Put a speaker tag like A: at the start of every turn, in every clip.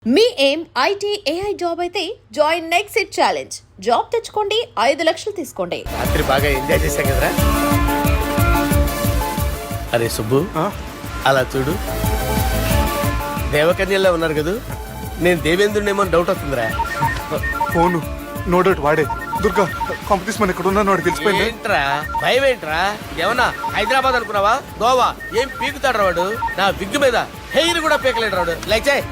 A: మీ ఏం IT AI job అయితే join next it challenge. Job తెచ్చుకోండి, 5 లక్షలు తీసుకోండి.
B: రాత్రి బాగా ఎంజాయ్ చేశాం కదరా. అరే సుబ్బు, అలా చూడు, దేవకన్యల్లో ఉన్నారు కదా. నేను దేవేంద్రునేమో డౌట్ వస్తుందిరా.
C: ఫోను నో డౌట్ వాడే. దుర్గా కాంపిటీషన్ మన ఇక్కడ ఉన్నాను వాడు తెలిసిపోయింది.
B: ఏంట్రా భయం ఏంట్రా? ఏమన్నా హైదరాబాద్ అనుకున్నావా? గోవా ఏం పీకుతాడు వాడు. నా విగ్గు మీద హెయిర్ కూడా పీకలేడు వాడు. లైక్ చేయి.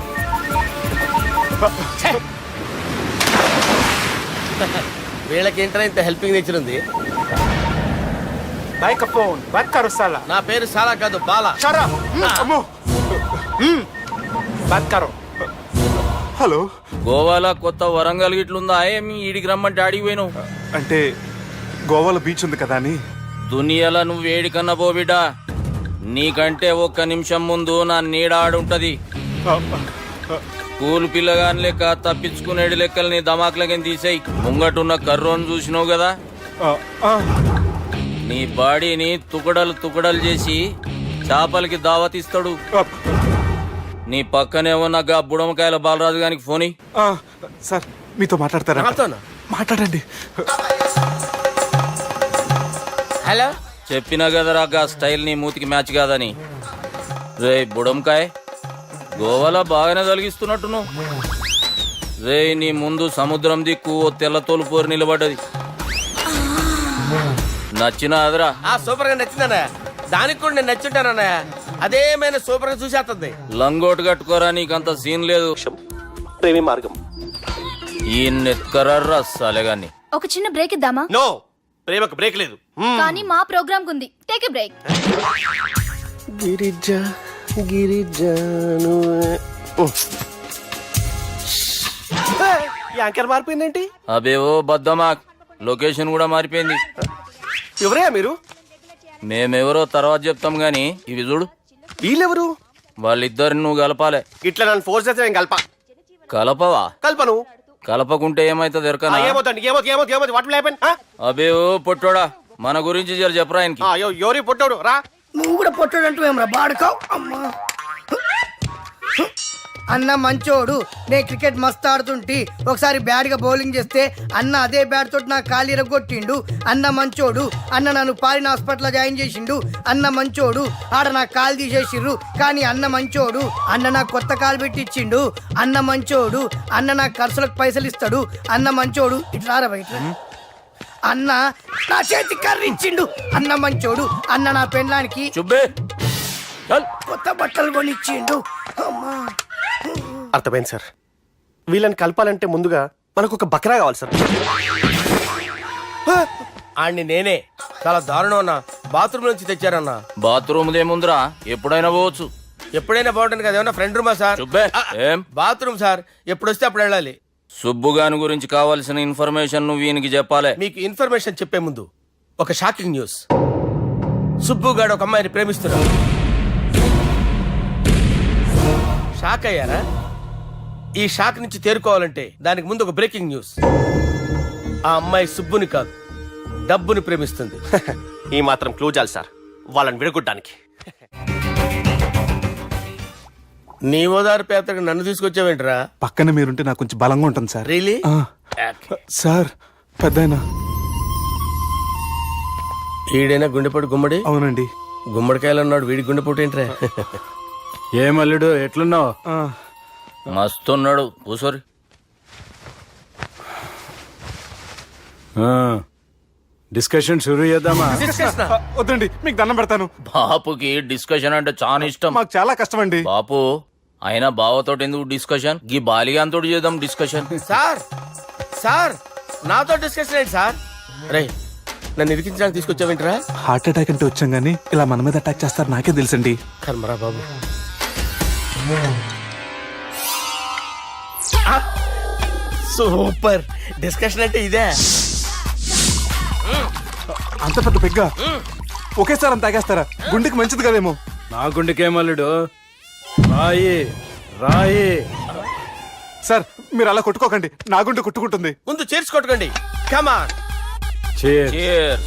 B: వీళ్ళకేంట్రా ఇంత హెల్పింగ్ నేచర్ ఉంది.
C: బైక్ ఫోన్ బాత్ కరో సాలా.
B: నా పేరు సాలా కాదు, బాలా.
C: చరా అమ్మో బాత్ కరో. హలో,
D: గోవాలో కొత్త వరంగల్ గిట్లుందా? ఏమి ఈడికి రమ్మంటే అడిగి పోయినావు?
C: అంటే గోవాలో బీచ్ ఉంది కదా అని.
D: దునియాలో నువ్వు వేడికన్నా పో బిడ్డ. నీకంటే ఒక్క నిమిషం ముందు నా నీడ ఆడుంటది. స్కూల్ పిల్లగాని లెక్క తప్పించుకునేడు లెక్కలు నీ దమాకులకి తీసేయి. ముంగటున్న కర్రోని చూసినావు కదా, నీ బాడీని తుకడలు తుకడలు చేసి చేపలకి దావతిస్తాడు. నీ పక్కనే ఉన్న గా బుడమకాయల బాలరాజు గారికి ఫోన్.
C: సార్ మీతో మాట్లాడతారా? మాట్లాడండి.
B: హలో,
D: చెప్పినా కదరా గా స్టైల్ నీ మూతికి మ్యాచ్ కాదని. రే బుడంకాయ్, గోవాలో బాగానే తొలగిస్తున్నట్టు నువ్వు. రే నీ ముందు సముద్రం దిక్కు ఓ తెల్ల తోలు పోరు నిలబడ్డది. నచ్చిన అదరా?
B: సూపర్ గా నచ్చిందన్నా. దానికి కూడా నేను నచ్చుంటానన్నా. అదేమైనా సూపర్ గా చూసేస్తుంది.
D: లంగోటు కట్టుకోరా, నీకంత సీన్ లేదు.
B: ప్రేమి మార్గం
D: ఈ నెత్కరర్రా సాలెగాన్ని.
E: ఒక చిన్న బ్రేక్ ఇద్దామా?
B: నో, ప్రేమకు బ్రేక్ లేదు.
E: కానీ మా ప్రోగ్రామ్ ఉంది. Take a break.
B: గిరిజా గిరిజాను. యాంకర్ మారిపోయిందేంటి?
D: అబేవో బద్దమా, లొకేషన్ కూడా మారిపోయింది.
B: ఎవరయ్యా మీరు?
D: మేమెవరో తర్వాత చెప్తాం గాని ఇవి చూడు.
B: వీళ్ళెవరు?
D: వాళ్ళిద్దరిని నువ్వు కలపాలే.
B: ఇట్లా నన్ను ఫోర్స్ చేస్తే నేను
D: కలపవా?
B: కల్పను.
D: కలపకుంటే ఏమైతుంది ఎరకనా? అబేవో పొట్టోడా, మన గురించి జర చెప్పరా ఆయనకి.
B: ఎవరి పొట్టోడు రా.
F: నువ్వు కూడా పొట్టాడు అంటూ ఏమరా బాడుకావు. అమ్మా అన్న మంచోడు. నేను క్రికెట్ మస్తు ఆడుతుంటి. ఒకసారి బ్యాట్ గా బౌలింగ్ చేస్తే అన్న అదే బ్యాట్ తోటి నా కాలు ఇరగొట్టిండు. అన్న మంచోడు. అన్న నన్ను పాలిన హాస్పిటల్ జాయిన్ చేసిండు. అన్న మంచోడు. ఆడ నా కాలు తీసేసిర్రు కానీ అన్న మంచోడు. అన్న నాకు కొత్త కాలు పెట్టిచ్చిండు. అన్న మంచోడు. అన్న నాకు ఖర్చులకు పైసలు ఇస్తాడు. అన్న మంచోడు. ఇట్లా బయట అన్న నా చేతి కర్రీ ఇచ్చిండు. అన్న మంచోడు. అన్న నా పెండ్లానికి
D: చుబ్బే
F: కొత్త బట్టలు కొనిచ్చిండు. అమ్మా
G: అర్థమైంది సార్. వీళ్ళని కలపాలంటే ముందుగా మనకు ఒక బక్రా కావాలి సార్.
B: ఆడిని నేనే. చాలా దారుణం అన్నా. బాత్రూమ్ నుంచి తెచ్చారన్నా.
D: బాత్రూమ్ దేముందిరా, ఎప్పుడైనా పోవచ్చు.
B: ఎప్పుడైనా బాగుంటుంది కదా. ఏమన్నా ఫ్రెండ్ రూమా సార్?
D: చుబ్బే ఏం
B: బాత్రూమ్ సార్, ఎప్పుడు వస్తే అప్పుడు వెళ్ళాలి.
D: సుబ్బుగాని గురించి కావాల్సిన ఇన్ఫర్మేషన్ నువ్వు వీనికి చెప్పాలి.
B: మీకు ఇన్ఫర్మేషన్ చెప్పే ముందు ఒక షాకింగ్ న్యూస్. సుబ్బుగాడు ఒక అమ్మాయిని ప్రేమిస్తున్నాడు. షాక్ అయ్యారా? ఈ షాక్ నుంచి తేరుకోవాలంటే దానికి ముందు ఒక బ్రేకింగ్ న్యూస్. ఆ అమ్మాయి సుబ్బుని కాదు, డబ్బుని ప్రేమిస్తుంది.
G: ఈ మాత్రం క్లూ చాలు సార్ వాళ్ళని విడగొట్టడానికి.
B: నీ ఓదారు పేపర్కి నన్ను తీసుకొచ్చావేంట్రా?
C: పక్కన మీరుంటే నాకు కొంచెం బలంగా ఉంటుంది సార్.
B: రియలీ?
C: సార్ పెద్దయినా.
B: ఈడైనా గుండెపోటు గుమ్మడి?
C: అవునండి.
B: గుమ్మడికాయలు అన్నాడు, వీడి గుండెపోటు ఏంట్రా?
D: ఏమల్లుడు ఎట్లున్నావు? మస్తున్నాడు కూసోరి.
H: డిస్కషన్ షురూ చేద్దామా?
C: వద్దండి, మీకు దండం పెడతాను.
D: బాపుకి డిస్కషన్ అంటే చాలా ఇష్టం.
C: మాకు చాలా కష్టం అండి.
D: బాపు అయినా బావతో ఎందుకు డిస్కషన్? గీ బాలిగాంతో చేద్దాం డిస్కషన్.
B: సార్ సార్ నాతో డిస్కషన్ ఏంటి సార్? రే నన్ను ఇరికించడానికి తీసుకొచ్చావేంట్రా?
C: హార్ట్ అటాక్ అంటే వచ్చాం గానీ ఇలా మన మీద అటాక్ చేస్తారు నాకే తెలుసండి.
B: కర్మరా బాబు. సూపర్ డిస్కషన్ అంటే ఇదే.
C: అంత పెద్ద పెగ్గా ఒకేసారి అంత తాగేస్తారా? గుండెకి మంచిది కదేమో.
H: నా గుండెకేమల్లుడు రాయి రాయి.
C: సార్ మీరు అలా కొట్టుకోకండి, నా గుండె కొట్టుకుంటుంది.
B: ముందు చేర్చి కొట్టుకోండి. కమాన్.
D: Cheers.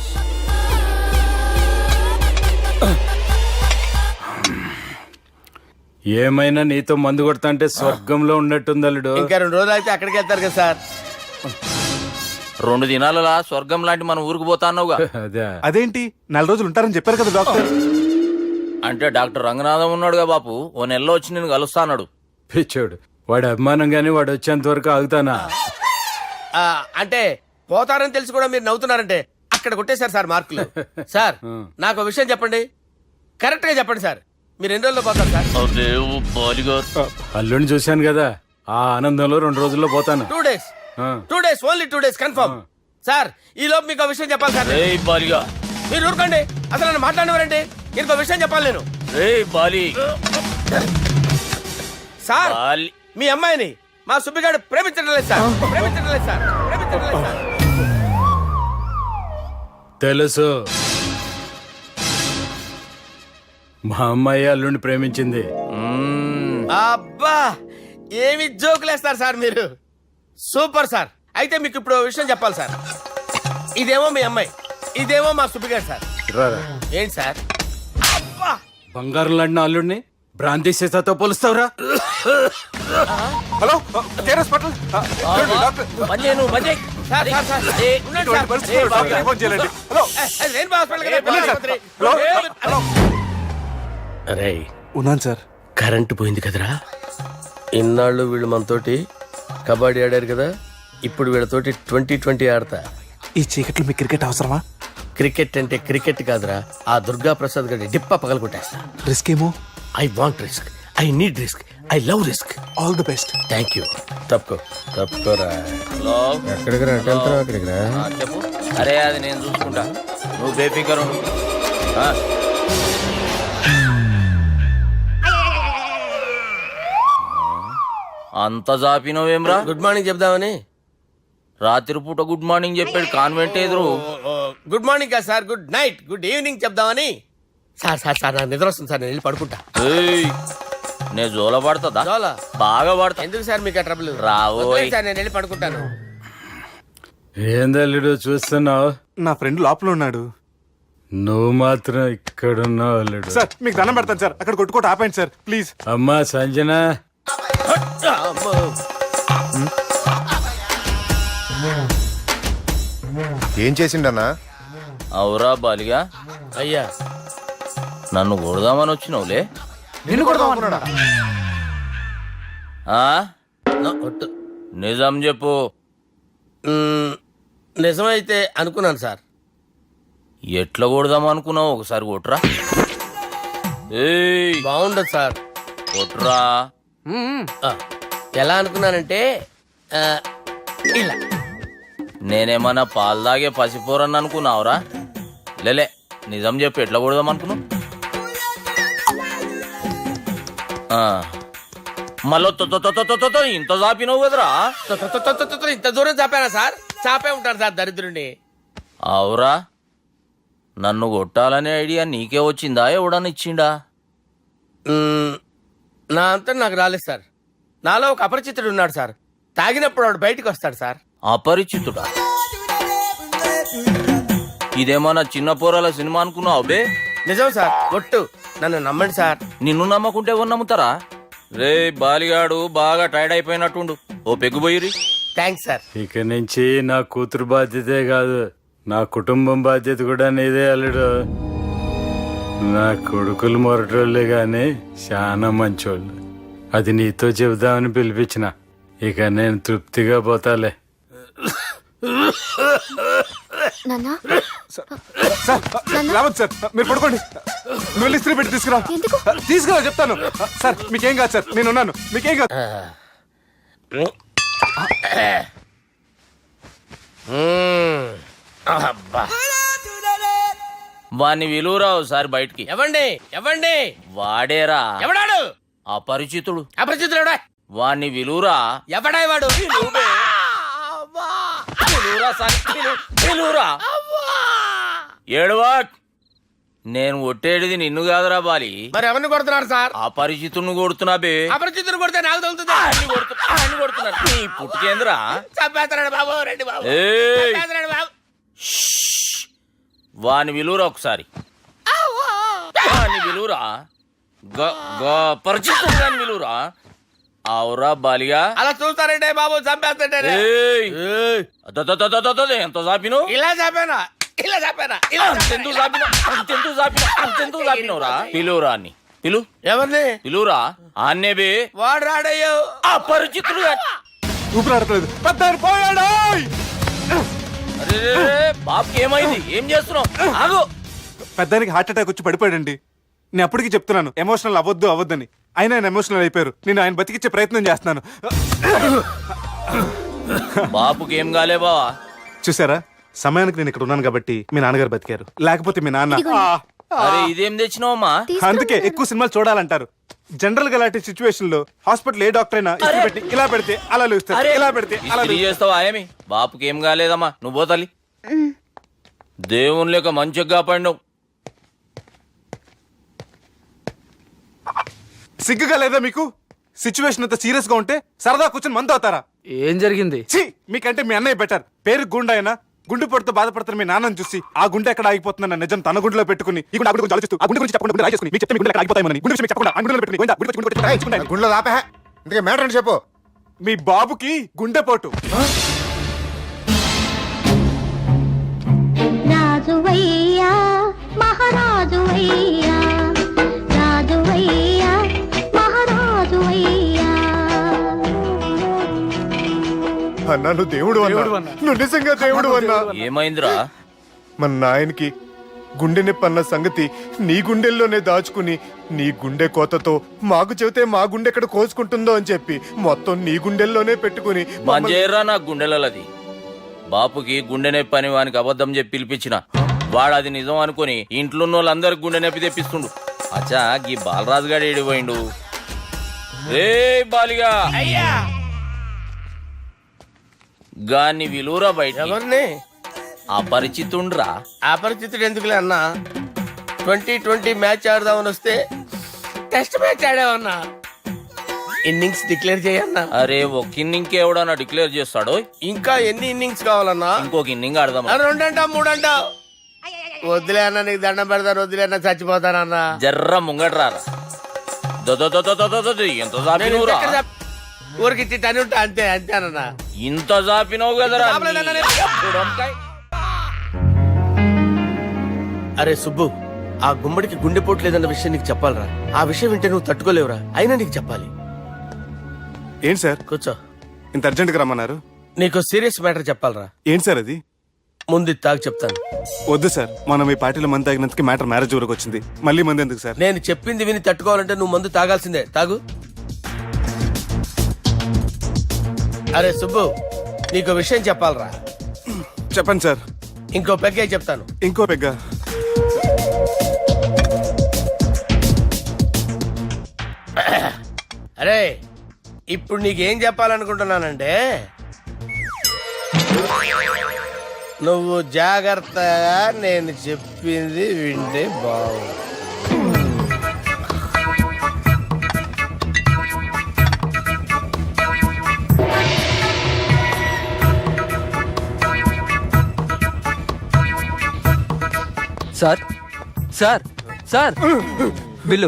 H: ఏమైనా నీతో మందు కొడతాంటే స్వర్గంలో ఉన్నట్టుంది అల్లుడు.
B: ఇంకా 2 రోజులు అయితే అక్కడికి వెళ్తారు కదా సార్.
D: 2 దినాలలా స్వర్గం లాంటి మన ఊరికి పోతా అన్నావుగా.
H: అదే
C: అదేంటి 4 రోజులు ఉంటారని చెప్పారు కదా డాక్టర్.
D: అంటే డాక్టర్ రంగనాథం ఉన్నాడుగా బాపు, ఓ నెలలో వచ్చి నేను కలుస్తా అన్నాడు.
H: పిచ్చోడు, వాడి అభిమానం గాని వాడు వచ్చేంత వరకు ఆగుతానా?
B: అంటే పోతారని తెలిసి కూడా మీరు నవ్వుతున్నారంటే అక్కడ కొట్టేశారు సార్ మార్కులు. సార్ నాకు ఒక విషయం చెప్పండి, కరెక్ట్ గా చెప్పండి సార్, మీరు ఎన్ని రోజుల్లో పోతారు సార్?
D: అదే ఓ బాలిగారు.
H: అల్లుడిని చూశాను కదా, ఆ ఆనందంలో 2 రోజుల్లో పోతాను.
B: 2 days,
H: ఆ.
B: 2 days, only 2 days confirm. Sir ఈ లోపు మీకు ఒక విషయం చెప్పాలి సార్.
D: ఏయ్ బాలిగా,
B: మీరు ఊరుకోండి, అసలు నన్ను మాట్లాడినవారండి. ఇంకో విషయం చెప్పాలి నేను.
D: ఏయ్ బాలి.
B: Sir
D: Bali.
B: మీ అమ్మాయిని మా సుబ్బిగాడు ప్రేమించడం లేదు సార్, ప్రేమించడం లేదు సార్, ప్రేమించడం లేదు సార్.
H: తెలుసు, మా అమ్మాయి అల్లుడిని ప్రేమించింది.
B: అబ్బా ఏమి జోకులేస్తారు సార్ మీరు, సూపర్ సార్. అయితే మీకు ఇప్పుడు ఓ విషయం చెప్పాలి సార్. ఇదేమో మీ అమ్మాయి, ఇదేమో మా సుబ్బిగాడు సార్.
H: రారా.
B: ఏంటి సార్? అబ్బా
H: బంగారం లాంటి నా అల్లుడిని భ్రాంతి సీతాతో పోలుస్తావురా?
C: Hello Care hospital. Doctor
B: sir sir sir ఉండండి
C: ఇటువంటి
B: సార్.
C: పరిస్థితుల్లో డాక్టర్ ఫోన్ చేయాలండి. హలో
B: అది రెయిన్బో హాస్పిటల్ కదా,
C: వెళ్ళండి సార్.
B: ఆసుపత్రి.
C: హలో
B: అరే
C: ఉన్నాను సార్.
B: కరెంటు పోయింది కదరా, ఇన్నాళ్ళు వీళ్ళు మనతోటి కబడ్డీ ఆడారు కదా, ఇప్పుడు వీళ్ళతోటి 2020 ఆడతా.
C: ఈ చీకట్లో మీకు క్రికెట్ అవసరమా?
B: క్రికెట్ అంటే క్రికెట్ కాదురా, ఆ దుర్గా ప్రసాద్ గడి డిప్ప పగల కొట్టేస్తా.
C: రిస్క్ ఏమో.
B: I want risk, I need risk, I love risk.
C: All the best.
B: Thank you. తప్పుకోరా.
D: హలో.
B: ఎక్కడికి రా, వెళ్తారా అక్కడికి రా.
D: చెప్పు. అరే అది నేను చూసుకుంటా, నువ్వు బేఫికర్ ఉండు. అంత జాపినవేమ్రా?
B: గుడ్ మార్నింగ్ చెప్దామని.
D: రాత్రి పూట గుడ్ మార్నింగ్ చెప్పాడు కాన్వెంట్ ఎదురు.
B: గుడ్ మార్నింగ్ కాదు sir, good night, good evening చెప్దామని. సార్ సార్ సార్ నాకు నిద్ర వస్తుంది సార్, నేను వెళ్ళి పడుకుంటా.
D: ఏయ్, నే జోల పడుతుందా?
B: జోలా?
D: బాగా పడతా.
B: ఎందుకు సార్ మీకు ఆ ట్రబుల్?
D: రావోయ్.
B: సార్ నేను వెళ్ళి పడుకుంటాను.
H: ఏంది అల్లుడు చూస్తున్నావు?
C: నా ఫ్రెండ్ లోపల ఉన్నాడు.
H: నువ్వు మాత్రం ఇక్కడున్నావు అల్లుడు.
C: సార్ మీకు దండం పెడతాను సార్, అక్కడ కొట్టుకోట ఆపండి సార్ ప్లీజ్.
H: అమ్మా సంజన,
B: అమ్మో.
I: ఏం చేసిండన్నా?
D: అవురా బాలిగా,
B: అయ్యా
D: నన్ను కొడదామని వచ్చినావులే.
C: నిన్ను కొడదామన్నాడా?
D: ఆ?
B: ఒట్టు.
D: నిజం చెప్పు.
B: నిజమైతే అనుకున్నాను సార్.
D: ఎట్లా కొడదాం అనుకున్నావు? ఒకసారి కొట్రా. ఏయ్,
B: బాగుండదు సార్.
D: కొట్రా.
B: ఆ, ఎలా అనుకున్నానంటే ఆ, ఇలా.
D: నేనేమన్నా పాలు తాగే పసిపోరని అనుకున్నావురా? లేలే, నిజం చెప్పు, ఎట్లా కొడదాం అనుకున్నావు? మళ్ళీ ఇంత చాపినావు కదరా?
B: ఇంత దూరం చాపానా సార్? చాపే ఉంటాను సార్ దరిద్రుడిని.
D: అవురా, నన్ను కొట్టాలనే ఐడియా నీకే వచ్చిందా? ఎవడన్నా ఇచ్చిండా?
B: నా అంతా నాకు రాలేదు సార్. నాలో ఒక అపరిచితుడు ఉన్నాడు సార్, తాగినప్పుడు వాడు బయటికి వస్తాడు సార్.
D: అపరిచితుడా? ఇదేమన్నా చిన్న పోరాల సినిమా అనుకున్నావు బే?
B: నిజం సార్, ఒట్టు, నన్ను నమ్మండి సార్.
D: నిన్ను నమ్మకుంటే ఎవరు నమ్ముతారా? రే బాలిగాడు బాగా టైర్డ్ అయిపోయినట్టుండు, ఓ పెగ్గు పోయిరి.
B: Thanks sir.
H: ఇక నుంచి నా కూతురు బాధ్యతే కాదు, నా కుటుంబం బాధ్యత కూడా నీదే అల్లుడు. నా కొడుకులు మొరటోళ్ళే గాని చాలా మంచోళ్ళు. అది నీతో చెబుదామని పిలిపించిన. ఇక నేను తృప్తిగా పోతాలే.
E: నాన్నా
C: సార్ రావద్దు సార్, మీరు పడుకోండి. నువ్వు వెళ్ళి ఇస్త్రీ పెట్టి తీసుకురా.
E: ఎందుకు?
C: తీసుకురా చెప్తాను. సార్ మీకేం కాదు సార్, నేను ఉన్నాను, మీకేం కాదు.
B: అబ్బా.
D: వాణ్ణి విలువరా ఒకసారి బయటికి.
B: ఎవండి ఎవండి?
D: వాడేరా
B: ఎవడాడు?
D: అపరిచితుడు.
B: అపరిచితుడు ఎవడా?
D: వాణ్ణి విలువరా.
B: ఎవడా వాడు?
D: విలువరా సార్, విలువరా. ఏడవా, నేను ఒట్టేడిది నిన్ను కాదురా బాలి.
B: మరి ఎవరిని కొడుతున్నారు సార్?
D: అపరిచితుడిని కొడుతున్నా బే.
B: అపరిచితుడు కొడితే నాకు తగులుతుంది.
D: అన్ని కొడుతున్నారు. నీ పుట్టుకేంద్రా?
B: చంపేస్తున్నాడు బాబు, రండి బాబు.
D: ఏయ్,
B: చంపేస్తున్నాడు బాబు.
D: వాని విలువరా ఒకసారి. వాని విలువరా. పరిచితుడు అని పిలువురా. అవురా బాలిగా.
B: అలా చూస్తారంటే బాబు చంపేస్తాడే.
D: ఏయ్, ఎంత చాపిను?
B: ఇలా చంపానా ఇలా చంపానా ఇలా
D: అంతెందుకు చాపినవురా? పిలువురా అని పిలు.
B: ఎవరిని
D: పిలువురా ఆన్నే బే.
B: వాడు రాడయ్యో.
D: అపరిచితుడు.
C: ఊపిరాడట్లేదు. పెద్దాయన పోయాడు.
D: అరే బాబుకి ఏమైంది? ఏం చేస్తున్నావు? ఆగు.
C: పెద్దానికి హార్ట్ అటాక్ వచ్చి పడిపోయాడండి. నేను అప్పటికి చెప్తున్నాను ఎమోషనల్ అవ్వద్దని. అయినా ఆయన ఎమోషనల్ అయిపోయారు. నేను ఆయన బతికిచ్చే ప్రయత్నం చేస్తున్నాను.
D: బాబుకి ఏం కాలే బావా?
C: చూసారా, సమయానికి నేను ఇక్కడ ఉన్నాను కాబట్టి మీ నాన్నగారు బతికారు. లేకపోతే మీ నాన్న
D: అరే ఇదేం తెచ్చినావమ్మా?
C: అందుకే ఎక్కువ సినిమాలు చూడాలంటారు. జనరల్ గా అలాంటి సిచ్యువేషన్ లో హాస్పిటల్ ఏ డాక్టర్ అయినా ఇస్త్రీ పెట్టి ఇలా పెడితే అలా లూస్తారు, ఇలా పెడితే అలా
D: ఇస్త్రీ చేస్తావా ఏమి? బాపుకి ఏం కాలేదమ్మా, నువ్వు పోతాలి. దేవుని లేక మంచిగా పడినావు.
C: సిగ్గుగా లేదా మీకు? సిచ్యువేషన్ అంత సీరియస్ గా ఉంటే సరదా కూర్చొని మందు అవుతారా?
J: ఏం జరిగింది?
C: ఛీ, మీకంటే మీ అన్నయ్య బెటర్. పేరు గుండె అయినా గుండు పొడితో బాధపడుతున్న మీ నాన్నని చూసి ఆ గుండె ఎక్కడ ఆగిపోతుందన్న నిజం తన గుండెలో పెట్టుకుని ఈ గుండె గురించి ఆలోచిస్తూ ఆ గుండె గురించి చెప్పకుండా గుండె రాజేసుకుని మీకు చెప్తే మీ గుండె ఎక్కడ ఆగిపోతాయని గుండె విషయం చెప్పకుండా ఆ గుండెలో పెట్టుకుని గోవిందా, గుండె గురించి గుండె రాయించుకుంటాను.
I: గుండెలో దాపే ఇందుకే మ్యాటర్ అని చెప్పు.
C: మీ బాబుకి గుండెపోటు.
K: రాజువయ్యా మహారాజువయ్యా, రాజువయ్యా మహారాజువయ్యా.
I: అన్నా నువ్వు దేవుడు అన్నా, నువ్వు నిజంగా దేవుడు అన్నా.
D: ఏమైందిరా?
I: మన నాయనకి గుండె నొప్పి అన్న సంగతి నీ గుండెల్లోనే దాచుకుని నీ గుండె కోతతో మాకు చెబితే మా గుండె ఎక్కడ కోసుకుంటుందో అని చెప్పి మొత్తం నీ గుండెల్లోనే పెట్టుకుని
D: మంజేరా నా గుండెలది. బాపుకి గుండె నొప్పి అని వానికి అబద్ధం చెప్పి పిలిపించిన వాడు అది నిజం అనుకుని ఇంట్లో ఉన్న వాళ్ళందరికి గుండె నొప్పి తెప్పిస్తుండు. అచ్చా గీ బాలరాజు గారు ఏడిపోయిండు. రే బాలిగా
B: అయ్యా
D: గాన్ని విలువరా బయట.
B: ఎవరిని?
D: అపరిచితుండ్రా.
B: అపరిచితుడు ఎందుకులే అన్నా. 2020 మ్యాచ్ ఆడదామని వస్తే టెస్ట్ మ్యాచ్ ఆడామన్నా. ఇన్నింగ్స్ డిక్లేర్ చేయన్నా.
D: అరే ఒక ఇన్నింగ్ ఎవడన్నా డిక్లేర్ చేస్తాడో?
B: ఇంకా ఎన్ని ఇన్నింగ్స్ కావాలన్నా?
D: ఇంకొక ఇన్నింగ్ ఆడదాం.
B: 2 అంటావు 3 అంటావు. వద్దులే అన్న, నీకు దండం పెడతాను. వద్దులే అన్న, చచ్చిపోతానన్నా.
D: జర్ర ముంగట్రారా. ఎంత జాపినవురా?
B: ఊరికి టని ఉంటా అంతే అంతేనన్నా.
D: ఇంత జాపినవు కదరా.
B: అరే సుబ్బు, ఆ గుమ్మడికి గుండెపోటు లేదన్న విషయం నీకు చెప్పాలరా. ఆ విషయం వింటే నువ్వు తట్టుకోలేవురా. అయినా నీకు చెప్పాలి.
C: ఏంటి సార్
B: కూర్చో.
C: ఇంత అర్జెంట్ గా రమ్మన్నారు?
B: నీకు సీరియస్ మ్యాటర్ చెప్పాలరా.
C: ఏంటి సార్ అది?
B: ముందు ఇది తాగు చెప్తాను.
C: వద్దు సార్, మనం ఈ పార్టీలో మంది తాగినందుకు మ్యాటర్ మ్యారేజ్ వరకు వచ్చింది. మళ్ళీ మంది ఎందుకు సార్?
B: నేను చెప్పింది విని తట్టుకోవాలంటే నువ్వు మందు తాగాల్సిందే. తాగు. అరే సుబ్బు, నీకు విషయం చెప్పాలరా.
C: చెప్పండి సార్.
B: ఇంకో పెగ్గే చెప్తాను.
C: ఇంకో పెగ్గ.
B: అరే ఇప్పుడు నీకేం చెప్పాలనుకుంటున్నానంటే, నువ్వు జాగ్రత్తగా నేను చెప్పింది వింటే బాగుంది.
J: Sir sir sir bill.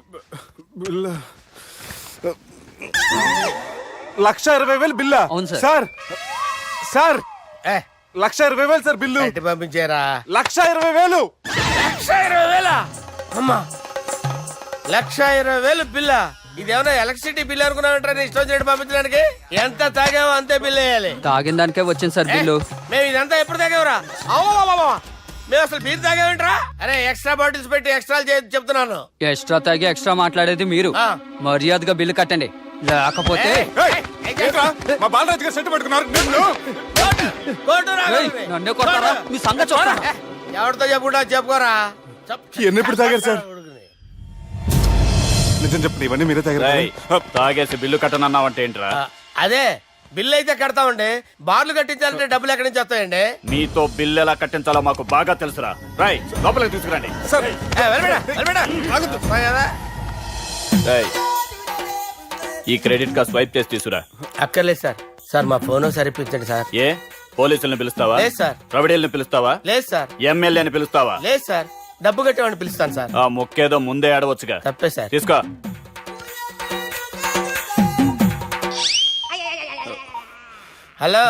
C: 1,20,000 బిల్లా?
J: అవును సార్.
C: సార్ సార్
B: ఏ
C: 1,20,000 సార్ బిల్లు.
B: బయట పంపించేరా.
C: 1,20,000.
B: 1,20,000 అమ్మా. 1,20,000 బిల్లా? ఇదేమన్నా ఎలక్ట్రిసిటీ బిల్ అనుకున్నామంటారా? నీ ఇష్టం వచ్చినట్టు పంపించడానికి. ఎంత తాగావో అంతే బిల్ వేయాలి.
J: తాగిన దానికే వచ్చింది సార్ బిల్లు.
B: మేము ఇదంతా ఎప్పుడు తాగేవరా? మేము అసలు బీర్ తాగేమంటారా? అరే ఎక్స్ట్రా బాటిల్స్ పెట్టి ఎక్స్ట్రా చెప్తున్నాను.
J: ఎక్స్ట్రా తాగి ఎక్స్ట్రా మాట్లాడేది మీరు.
B: ఆ.
J: మర్యాదగా బిల్లు కట్టండి, లేకపోతే
C: ఏంట్రా, మా బాలరాజు గారు సెట్ పట్టుకున్నారు.
J: ఏయ్, నన్నే కొడతారా? మీ సంగతి చూడరా.
B: ఎవరితో చెప్పుకుంటా చెప్పుకోరా.
C: ఎన్ని ఎప్పుడు తాగారు సార్? నిజం చెప్పండి, ఇవన్నీ మీరే తాగారు.
H: తాగేసి బిల్లు కట్టనన్నావంటే ఏంట్రా?
B: అదే బిల్లు అయితే కడతామండి. బార్లు కట్టించాలంటే డబ్బులు ఎక్కడి నుంచి వస్తాయండి?
H: నీతో బిల్లు ఎలా కట్టించాలో మాకు బాగా తెలుసురా. రై లోపలికి తీసుకురండి.
C: సార్
H: ఈ క్రెడిట్ కార్డ్ స్వైప్ చేసి తీసుకురా.
B: అక్కర్లేదు సార్. సార్ మా ఫోన్ సరిపించండి సార్.
H: ఏ పోలీసులను పిలుస్తావా?
B: లేదు సార్.
H: ప్రొవిడీలను పిలుస్తావా?
B: లేదు సార్.
H: ఎమ్మెల్యేని పిలుస్తావా?
B: లేదు సార్. డబ్బు కట్టేవాడిని పిలుస్తాను సార్.
K: ఆ మొక్కేదో ముందే ఆడవచ్చుగా.
B: తప్పే సార్.
K: తీసుకో.
B: హలో,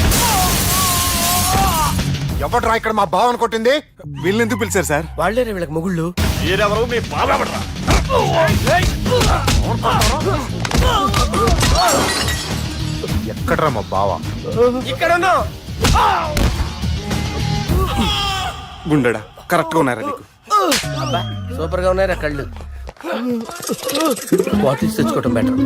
C: ఎవడ్రా ఇక్కడ మా బావని కొట్టింది? వీళ్ళని ఎందుకు పిలిచారు సార్?
B: వాళ్ళేరే వీళ్ళకి మొగుళ్ళు.
K: మీరెవరు? మీ బాబెవడ్రా?
C: ఎక్కడ్రా మా బావ?
B: ఇక్కడ ఉన్నావు.
C: గుండెడా కరెక్ట్ గా ఉన్నారా నీకు?
B: అబ్బా, సూపర్ గా ఉన్నాయిరా కళ్ళు. బాటిల్స్ తెచ్చుకోవటం బెటర్.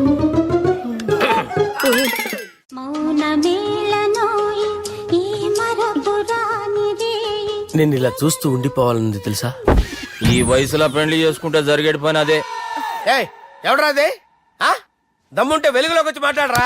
B: నేను ఇలా చూస్తూ ఉండిపోవాలని తెలుసా?
D: ఈ వయసులో పెళ్లి చేసుకుంటే జరిగేటి పని అదే.
B: ఏయ్, ఎవడరా అదే? ఆ? దమ్ముంటే వెలుగులోకి వచ్చి మాట్లాడరా.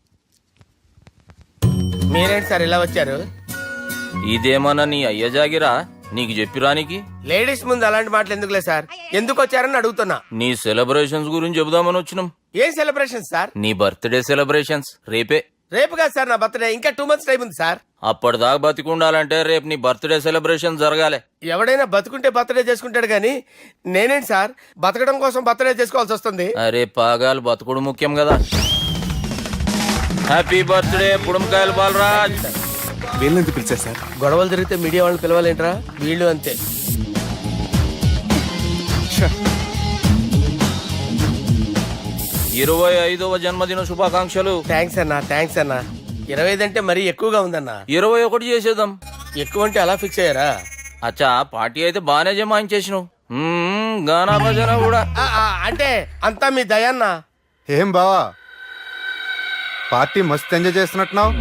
B: మీరేంటి సార్ ఇలా వచ్చారు?
D: ఇదేమన్నా నీ అయ్య జాగిరా నీకు చెప్పిరానికి?
B: లేడీస్ ముందు అలాంటి మాటలు ఎందుకులే సార్, ఎందుకు వచ్చారని అడుగుతున్నా.
D: నీ సెలబ్రేషన్స్ గురించి చెబుదామని వచ్చినాం.
B: ఏం సెలబ్రేషన్ సార్?
D: నీ బర్త్డే సెలబ్రేషన్స్ రేపే.
B: రేపు కాదు సార్ నా బర్త్డే, ఇంకా 2 months టైం ఉంది సార్.
D: అప్పటిదాకా బతికుండాలంటే రేపు నీ బర్త్డే సెలబ్రేషన్ జరగాలి.
B: ఎవడైనా బతుకుంటే బర్త్డే చేసుకుంటాడు గానీ నేనేంటి సార్ బతకడం కోసం బర్త్డే చేసుకోవాల్సి వస్తుంది?
D: అరే పాగాలు బతుకుడు ముఖ్యం కదా. హ్యాపీ బర్త్డే పుడంకాయలు బాలరాజ్.
C: వీళ్ళని ఎందుకు పిలిచారు సార్?
B: గొడవలు జరిగితే మీడియా వాళ్ళని పిలవాలేంట్రా? వీళ్ళు అంతే.
D: 25వ జన్మదిన శుభాకాంక్షలు.
B: థ్యాంక్స్ అన్నా, థ్యాంక్స్ అన్నా. 25 అంటే మరీ ఎక్కువగా ఉందన్నా.
D: 21 చేసేద్దాం.
B: ఎక్కువ అంటే అలా ఫిక్స్ అయ్యారా?
D: అచ్చా పార్టీ అయితే బానే జమాయించేసినావు. గానా భజన కూడా.
B: అంటే అంతా మీ దయన్నా.
C: ఏం బావా పార్టీ మస్తు ఎంజాయ్ చేస్తున్నట్టున్నావు.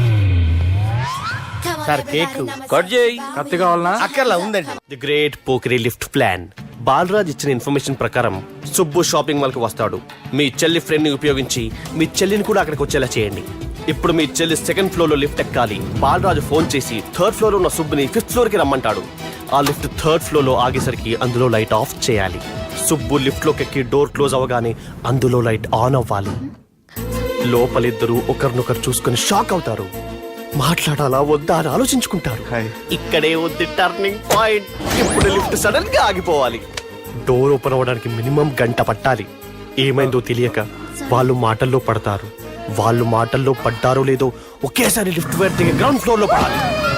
B: సార్ కేక్
D: కట్ చేయి.
C: కత్తి కావాలనా?
B: అక్కర్లా ఉందండి.
G: ది గ్రేట్ పోకరీ లిఫ్ట్ ప్లాన్. బాలరాజ్ ఇచ్చిన ఇన్ఫర్మేషన్ ప్రకారం సుబ్బు షాపింగ్ మాల్ కి వస్తాడు. మీ చెల్లి ఫ్రెండ్ ని ఉపయోగించి మీ చెల్లిని కూడా అక్కడికి వచ్చేలా చేయండి. ఇప్పుడు మీ చెల్లి 2nd ఫ్లోర్ లో లిఫ్ట్ ఎక్కాలి. బాలరాజు ఫోన్ చేసి 3rd ఫ్లోర్ లో ఉన్న సుబ్బుని 5th ఫ్లోర్ కి రమ్మంటాడు. ఆ లిఫ్ట్ 3rd ఫ్లోర్ లో ఆగేసరికి అందులో లైట్ ఆఫ్ చేయాలి. సుబ్బు లిఫ్ట్ లోకి ఎక్కి డోర్ క్లోజ్ అవగానే అందులో లైట్ ఆన్ అవ్వాలి. లోపలిద్దరూ ఒకరినొకరు చూసుకుని షాక్ అవుతారు. మాట్లాడాలా వద్దా అని ఆలోచించుకుంటారు. ఇక్కడే ఉంది టర్నింగ్ పాయింట్. ఇప్పుడు లిఫ్ట్ సడన్ గా ఆగిపోవాలి. డోర్ ఓపెన్ అవ్వడానికి మినిమం 1 గంట పట్టాలి. ఏమైందో తెలియక వాళ్ళు మాటల్లో పడతారు. వాళ్ళు మాటల్లో పడ్డారో లేదో ఒకేసారి లిఫ్ట్ దిగి గ్రౌండ్ ఫ్లోర్ లో పడాలి.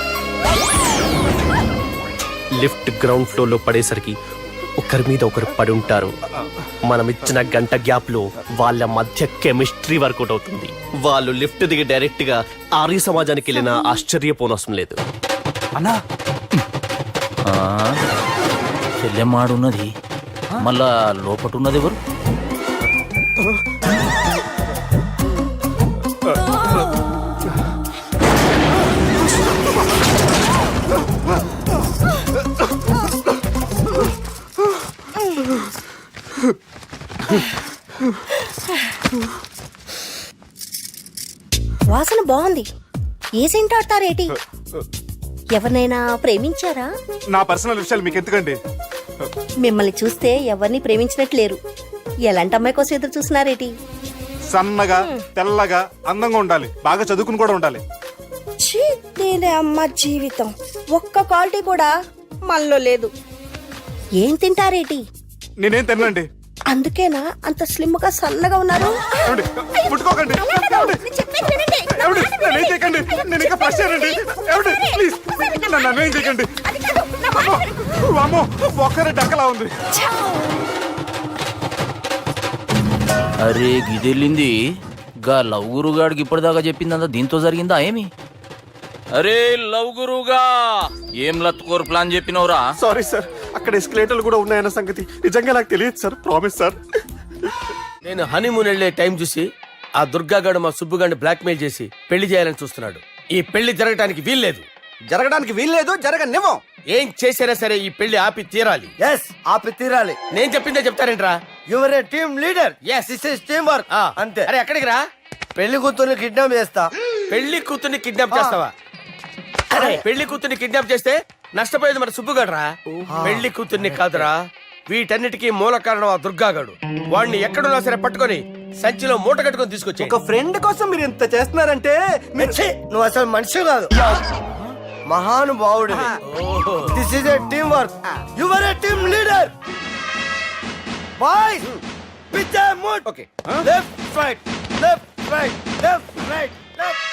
G: లిఫ్ట్ గ్రౌండ్ ఫ్లోర్ లో పడేసరికి ఒకరి మీద ఒకరు పడి ఉంటారు. మనం ఇచ్చిన 1 గంట గ్యాప్ లో వాళ్ళ మధ్య కెమిస్ట్రీ వర్కౌట్ అవుతుంది. వాళ్ళు లిఫ్ట్ దిగి డైరెక్ట్ గా ఆర్య సమాజానికి వెళ్ళిన ఆశ్చర్యపోనవసరం లేదు.
C: అన్నా
D: చెల్లెమ్మాడున్నది మళ్ళా లోపటున్నది ఎవరు?
L: వాసన బాగుంది. ఏ సెంట్ ఆడతారేటి? ఎవరినైనా ప్రేమించారా?
C: నా పర్సనల్ విషయాలు మీకు ఎందుకండి?
L: మిమ్మల్ని చూస్తే ఎవరిని ప్రేమించినట్లేరు. ఎలాంటి అమ్మాయి కోసం ఎదురు చూస్తున్నారేటి?
C: సన్నగా తెల్లగా అందంగా ఉండాలి. బాగా చదువుకుని కూడా ఉండాలి.
L: అమ్మ జీవితం ఒక్క క్వాలిటీ కూడా మనలో లేదు. ఏం తింటారేటి?
C: నేనేం తినండి.
L: అందుకేనా అంత స్లిమ్ గా సన్నగా ఉన్నారు?
C: ముట్టుకోకండి. నేనేం చేయకండి. నేను ఇంకా ఫస్ట్ చేయండి. ప్లీజ్ నన్ను ఏం చేయకండి. అమ్మో ఒక్కరే డక్కలా ఉంది.
D: అరే గిదెళ్ళింది గా లవ్ గురుగాడికి ఇప్పటిదాకా చెప్పిందంతా దీంతో జరిగిందా ఏమి? అరే లవ్ గురుగా ఏం లత్కోరు ప్లాన్ చెప్పినవురా?
G: సారీ సార్, అక్కడ ఎస్కలేటర్లు కూడా ఉన్నాయన్న సంగతి నిజంగా నాకు తెలియదు సార్. Promise sir.
B: నేను హనీమూన్ వెళ్లే టైం చూసి ఆ దుర్గాగాడు మా సుబ్బుగాడిని బ్లాక్మెయిల్ చేసి పెళ్లి చేయాలని చూస్తున్నాడు. ఈ పెళ్లి జరగటానికి వీల్లేదు. జరగనివ్వం. ఏం చేసినా సరే ఈ పెళ్లి ఆపి తీరాలి. ఆపి తీరాలి. నేను చెప్పిందే చెప్తారేంట్రా? Your a team leader. yes this is team work. అంతే. అరే ఎక్కడికి రా? పెళ్లి కూతుర్ని కిడ్నాప్ చేస్తా. పెళ్లి కూతుర్ని కిడ్నాప్ చేస్తావా? అరే పెళ్లి కూతుర్ని కిడ్నాప్ చేస్తే నష్టపోయేది మన సుబ్బుగాడురా. పెళ్లి కూతుర్ని కాదురా, వీటన్నిటికీ మూల కారణం ఆ దుర్గాగాడు. వాడిని ఎక్కడున్నా సరే పట్టుకొని సంచిలో మూట కట్టుకొని తీసుకొచ్చి.
F: ఒక ఫ్రెండ్ కోసం మీరు ఇంత చేస్తున్నారంటే నువ్వు అసలు మనిషి కాదు. మహానుభావుడు this is a team work you are a team leader boys with a mood
B: okay
F: left right left right left right left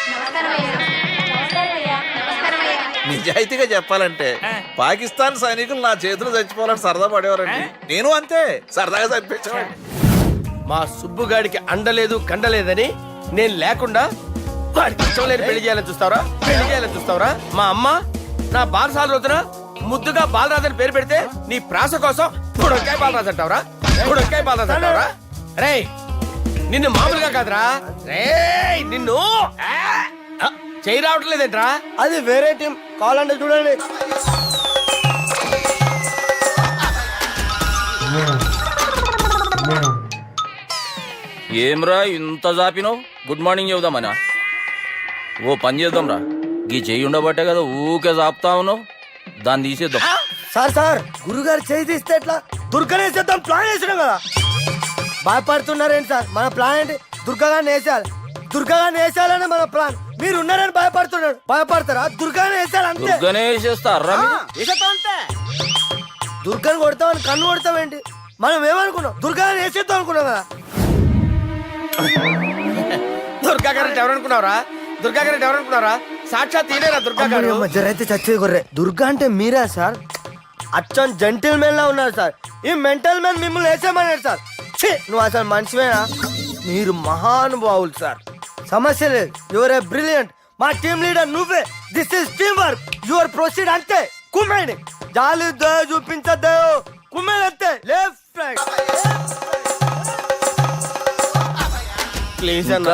K: నిజాయితీగా చెప్పాలంటే పాకిస్తాన్ సైనికులు నా చేతులు చచ్చిపోవాలని సరదా పడేవారండి నేను అంతే సరదాగా చనిపించేవాడిని.
B: మా సుబ్బుగాడికి అండలేదు కండలేదని నేను లేకుండా వాడికి ఇష్టం లేని పెళ్లి చేయాలని చూస్తావరా పెళ్లి చేయాలని చూస్తావరా మా అమ్మ నా బాలసాల రోజున ముద్దుగా బాలరాజు అని పేరు పెడితే నీ ప్రాస కోసం బుడొక్కాయ బాలరాజు అంటావరా బుడొక్కాయ బాలరాజు అంటావరా రే నిన్ను మామూలుగా కాదురా రే నిన్ను చేయి రావట్లేదేంట్రా
F: అది వేరే టీం కావాలంటే చూడండి
D: ఏమ్రా ఇంత జాపినావు గుడ్ మార్నింగ్ చెబుదామనా ఓ పని చేద్దాంరా గీ చెయ్యి ఉండబట్టే కదా ఊకే జాపుతా ఉన్నావు దాన్ని తీసేద్దాం
F: సార్ సార్ గురుగారు చేయి తీస్తే ఎట్లా దుర్గనేసేద్దాం ప్లాన్ వేసినాం కదా భయపడుతున్నారేంటి సార్ మన ప్లాన్ ఏంటి దుర్గాగాన్ని వేసేయాలి దుర్గాగాన్ని వేసేయాలని మన ప్లాన్ మీరు ఉన్నారని భయపడుతున్నాడు భయపడతారా దుర్గాని వేసేయాలి అంతే
D: దుర్గనే వేసేస్తారా
F: వేసేద్దాం అంతే దుర్గాని కొడతామని కన్ను కొడతామేంటి మనం ఏమనుకున్నాం దుర్గాని వేసేద్దాం అనుకున్నాం కదా
B: దుర్గా గారు ఎవరనుకున్నారా దుర్గా గారు ఎవరనుకున్నారా సాక్షాత్ ఈడేరా దుర్గా గారు
F: జరైతే చచ్చేది గొర్రె దుర్గా అంటే మీరా సార్ అచ్చం జెంటిల్ మెన్ లా ఉన్నారు సార్ ఈ మెంటల్ మ్యాన్ మిమ్మల్ని వేసేమన్నాడు సార్ ఛీ, నువ్వు అసలు మనిషివేనా మీరు మహానుభావులు సార్ సమస్య లేదు యువర్ ఏ బ్రిలియంట్ మా టీమ్ లీడర్ నువ్వే this is team work your proceed అంతే కుమ్మేయండి జాలి దయ చూపించద్దు కుమ్మేయండి అంతే లెఫ్ట్ రైట్
B: ప్లీజ్ అన్న